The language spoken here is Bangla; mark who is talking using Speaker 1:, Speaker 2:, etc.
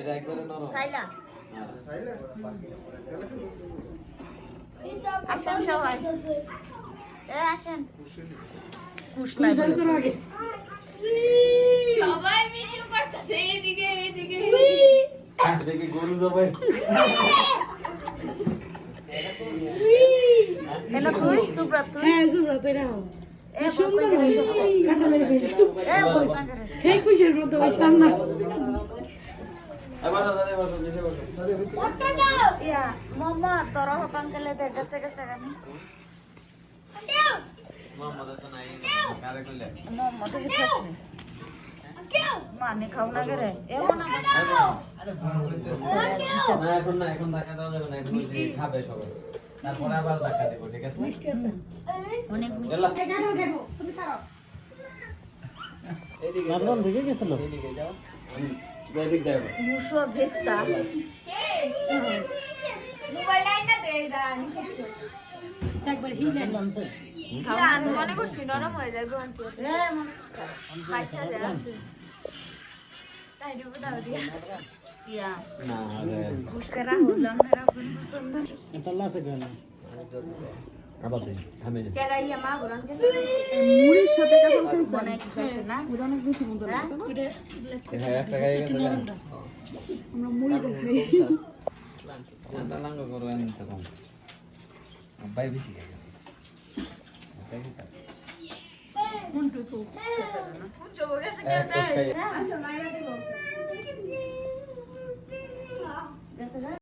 Speaker 1: এটা একবারে নরম
Speaker 2: সাইলা
Speaker 3: সাইলে
Speaker 2: আসেন সবাই আসেন
Speaker 4: কুশ নাই বলে
Speaker 2: সবাই ভিডিও করতেছে এইদিকে
Speaker 1: দেখি গরু জবাই
Speaker 2: এনা তুই সুব্রত তুই
Speaker 4: হ্যাঁ সুব্রত এরা
Speaker 2: এ
Speaker 4: সুন্দর কাটালের বেশি
Speaker 2: এ বলসা করে
Speaker 4: হে কুশের মতো ওই সামনা
Speaker 1: এবার দাদা বসো নিচে বসো
Speaker 2: ইয়া মামা তোর হপাঙ্কলে দে গেছে গানি
Speaker 1: মামা তো নাই কারে কইলে
Speaker 2: মামা তো খাসনি মামি খাও না করে এ মনা
Speaker 1: না এখন দেখা দাও যাবে না এখন যে খাবে সবাই তারপরে আবার দেখা দেব ঠিক আছে
Speaker 2: অনেক
Speaker 1: এলা
Speaker 4: তুমি সারো
Speaker 1: এদিকে নাদমান থেকে গেছিল এদিকে যাও এদিকে যাও
Speaker 2: মুসো ভেত্তা মোবাইল লাইনটা দে দাঁড়ানি
Speaker 4: একবার হিলে
Speaker 2: আমি মনে করছি নরম হয়ে যাবে আন্টি বাচ্চা যায় তাই দিব দাও দিয়া ইয়া
Speaker 1: না রে
Speaker 2: পুষ্করা হলাম না কোন পছন্দ
Speaker 1: এটা লাসে গেল আবার দে থামে যা
Speaker 2: কেরা ইয়া মা বরান কে
Speaker 4: মুড়ির সাথে কাঁঠাল খাইছেন
Speaker 2: অনেক খাইছে না
Speaker 4: ওটা অনেক বেশি মজা লাগে না
Speaker 1: হ্যাঁ একটা গায়ে গেছে না
Speaker 4: আমরা মুড়ি খাই
Speaker 1: জানটা লাঙ্গ করো এনে তো কম আব্বাই বেশি খায়
Speaker 4: কোনটু তো
Speaker 2: পুচো গেছে
Speaker 1: এক কোষ খাই
Speaker 2: আচ্ছা মাইরা দেব গেছে